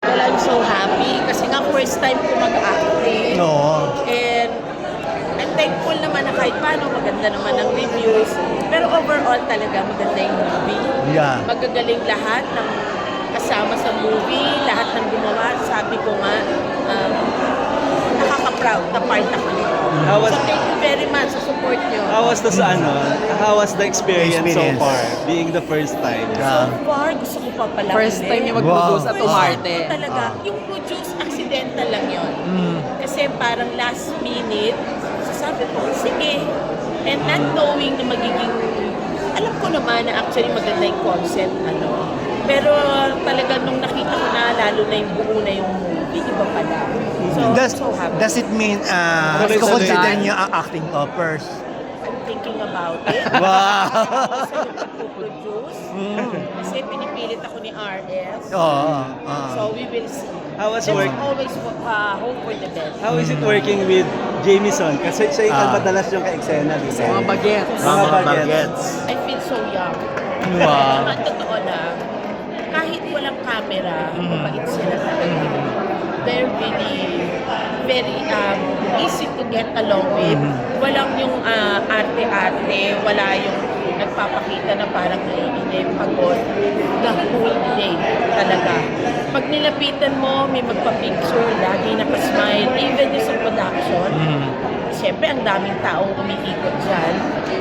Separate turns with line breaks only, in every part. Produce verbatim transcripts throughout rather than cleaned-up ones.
Well, I'm so happy kasi nga first time ko mag-acting.
No.
And I'm thankful naman na kahit paano maganda naman ang reviews. Pero overall talaga maganda yung movie.
Yeah.
Magagaling lahat ng kasama sa movie, lahat ng gumawa. Sabi ko nga, um, nakaka-proud na part ako nito.
How was-
So thank you very much sa support nyo.
How was the ano? How was the experience,
Experience.
so far? Being the first time.
So
Yeah.
far, gusto ko pa pala.
First time niya mag-produce at
First
umarte.
time ko talaga. Yung produce, accidental lang yun.
Mm.
Kasi parang last minute, so sabi ko, sige. And not knowing na magiging, alam ko naman na actually maganda yung concept, ano. Pero talaga nung nakita ko na, lalo na yung buo na yung movie, iba pala. So,
Does,
so happy.
does it mean uh,
Tuloy-tuloy.
consider niyo ang acting offers?
I'm thinking about it.
Wow!
Kasi nagpo-produce. Kasi pinipilit ako ni R S.
Oo. ah.
So we will see.
How was
Let's
work?
always uh, hope for the best.
How is it working with Jamieson? Kasi siya yung
Ah.
madalas yung ka-eksena, di ba?
Mga bagets.
Mga
Mga
bagets.
bagets.
I feel so young.
Wow.
Naman, totoo lang. Kahit walang camera, mabait sila talaga. They're really, very um, easy to get along with. Walang yung ah, arte-arte, wala yung nagpapakita na parang naiinip, pagod. The whole day talaga. Pag nilapitan mo, may magpa-picture, lagi nakasmile. Even yung sa production, siyempre ang daming taong umiikot dyan.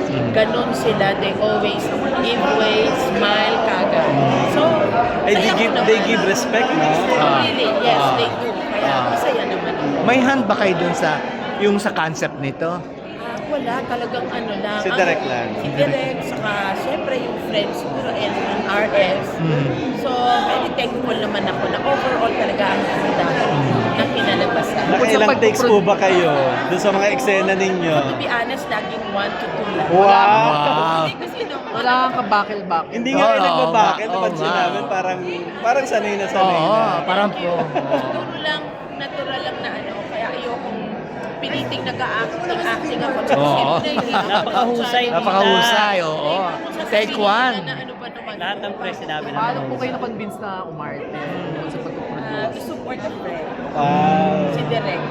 Ganon sila, they always give way, smile, kagad. So,
Ay, they
saya ko
give,
naman.
they give respect, no?
Ah.
Really, yes,
Ah.
they do. Kaya
Ah.
masaya naman ako.
May hand ba kayo dun sa yung sa concept nito?
Ah, wala, talagang ano lang.
Si
Ang-
Direk lang.
Si Direk, saka siyempre yung friends siguro and yung R S. So, very thankful naman ako na overall talaga ang ganda na kinalabasan.
Nakailang
pag-
takes po ba kayo doon sa mga eksena ninyo?
To be honest, laging one to two lang.
Wow!
Wow.
Hindi kasi nung
Wala kang kabakil-bakil.
Hindi nga rin
Oo,
nagbabakit,
oo,
napansin
nga.
namin parang parang sanay na sanay
Oo,
na.
parang
Thank you.
po.
Siguro lang, natural lang na ano, kaya ayokong piniting nag-acting acting ako. Tsaka
Oo.
siyempre, hindi ako
Napakahusay.
nag-try.
Napakahusay, oo.
Kung sasabihin
Take
nila
one.
Na ano ba naman,
Lahat ng press sinabi na.
Paano po kayo na-convince na umarte sa
Ah,
pag-produce?
to support the friend.
Wow.
Si Direk.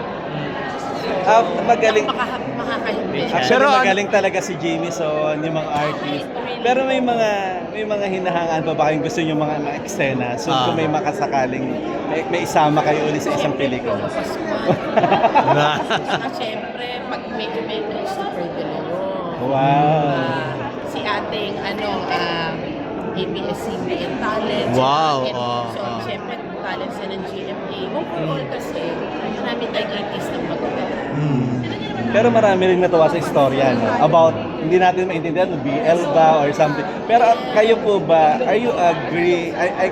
Ah, magaling.
Makaka makakahimbing.
Actually,
Pero ano-
magaling talaga si Jamieson, yung mga artist. Pero may mga may mga hinahangaan pa ba kayong gusto nyo mga mga eksena? So
Ah.
kung may makasakaling may, may isama kayo ulit sa isang pelikula.
Saka siyempre, pag may may super de Leon.
Wow.
Ah, si ating ano, um, A B S C B N Talent.
Wow,
And,
oh,
so,
oh.
siyempre, talent sa ng G M A. Overall kasi, marami tayong artist ng magaganda.
Pero marami rin natuwa sa istorya no? About, hindi natin maintindihan, B L ba or something. Pero kayo po ba, are you agree, I, I,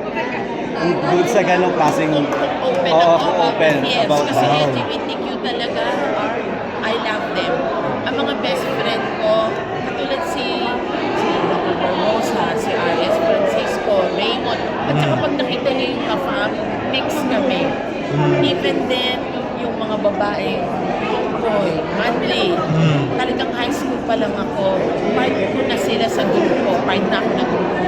good sa ganong klaseng,
Open
oo,
ako.
open
Yes,
about
kasi
that?
L G B T Q talaga are, I love them. Ang mga best friend ko, katulad si si Doctor Barbosa, si R S Francisco, Raymond, at saka pag nakita niyo yung kafam, mix kami. Even then, yung mga babae, boy, manly, talagang high school pa lang ako, part ko na sila sa grupo, part na ako ng grupo.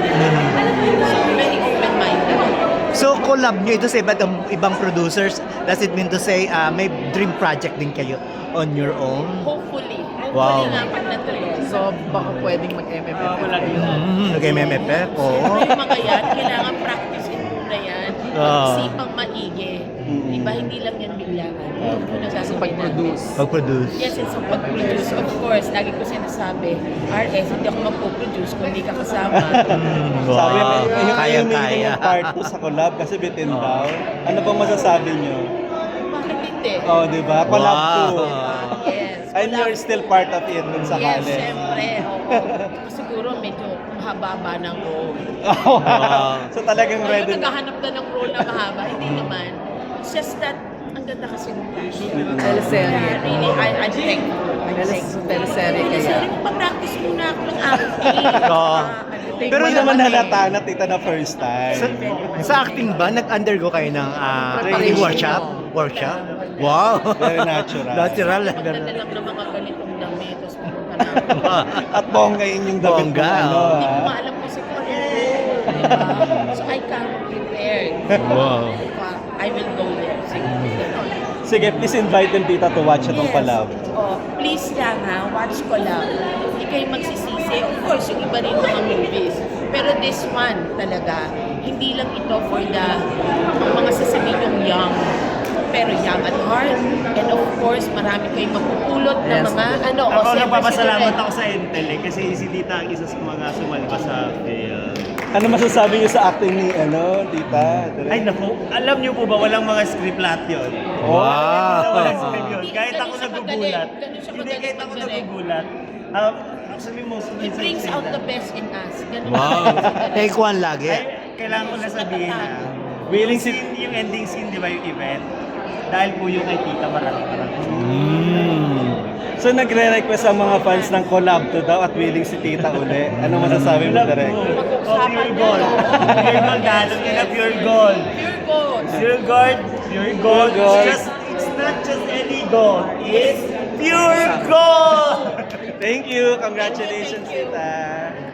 So, very open-minded.
So collab nyo ito sa iba't ibang producers. Does it mean to say uh, may dream project din kayo on your own?
Hopefully. Hopefully
Wow.
nga pag natuloy.
So, baka pwedeng mag-M M F
Oo, wala
kayo.
Mm, nag-M M F eh. Oo.
Pero yung mga yan, kailangan practice-in muna yan.
Ah.
Sipang maigi. Diba, hindi lang yan biglaan. Ito po
Sa
nagsasabi
pag-produce.
Pag-produce.
Yes, it's a pag-produce. Of course, lagi ko sinasabi, R S, hindi ako magpo-produce kung hindi ka kasama.
Mm,
Sabi,
wow.
may, may,
Kaya,
may,
kaya.
yung part two sa collab kasi bitin daw. Ano bang masasabi nyo?
Bakit hindi?
Oh, di ba? Collab
Wow.
two.
Yes.
And you're still part of it dun sa
Yes,
kale.
syempre. Oo. Siguro medyo mahaba ng role.
Oh,
Wow.
so talagang
Ngayon,
ready.
naghahanap na ng role na mahaba. Hindi naman. It's just that, ang ganda kasi ng passion.
Teleserye.
Really, I, I'm thankful. I'm
Teles-
thankful.
teleserye kaya.
Teleserye, pa-practice muna ako ng acting.
Oo.
Ah, ano.
Pero
May
naman
naman eh.
halata na tita na first
Sa,
time.
sa acting ba, nag-undergo kayo ng uh,
Preparation.
workshop? Workshop? Wow!
Very natural.
Natural.
Magdala lang ng mga ganitong damit, tapos pumunta na ako.
At bongga yun yung damit
Bongga,
mo, ano,
oh.
Hindi ko
ah.
maalam kung si Korea. Diba? So I come prepared.
Wow.
I'm
Sige, please invite them, tita, to watch itong
Yes.
collab.
Oh, please lang ha, watch ko lang. Hindi kayo magsisisi. Of course, yung iba rin mga movies. Pero this one talaga, hindi lang ito for the mga sasabihin yung young, pero young at heart. And of course, marami kayong mapupulot na
Yes.
mga ano. o,
Ako
siyempre,
nagpapasalamat
si
ako sa Intel eh, kasi si Tita ang isa sa mga sumalba sa film.
Ano masasabi niyo sa acting ni, ano, tita?
Ay naku, alam niyo po ba walang mga script lahat yun?
Wow!
Wala, walang script yun.
Hindi,
Kahit
ganun
ako
siya
nagugulat.
magaling. Ganun siya
Hindi,
magaling
kahit ako
mag-direct.
nagugulat. Um, actually, most of
It
the
brings
scenes
out
na-
the best in us. Ganun
Wow.
siya talaga.
Take one lagi.
Ay, kailangan ko na sabihin na.
Willing
Yung
si...
scene, yung ending scene, di ba yung event? Dahil po yung kay Tita, marami marami.
Mm. So nagre-request ang mga fans ng collab to daw at willing si tita uli. Ano masasabi mo,
Love
direct?
mo. Oh, pure gold. Pure gold, ganon yun na pure gold.
Pure gold.
Pure gold, pure gold.
Pure gold.
It's just, it's not just any gold. It's pure gold!
Thank you. Congratulations,
Thank you.
tita.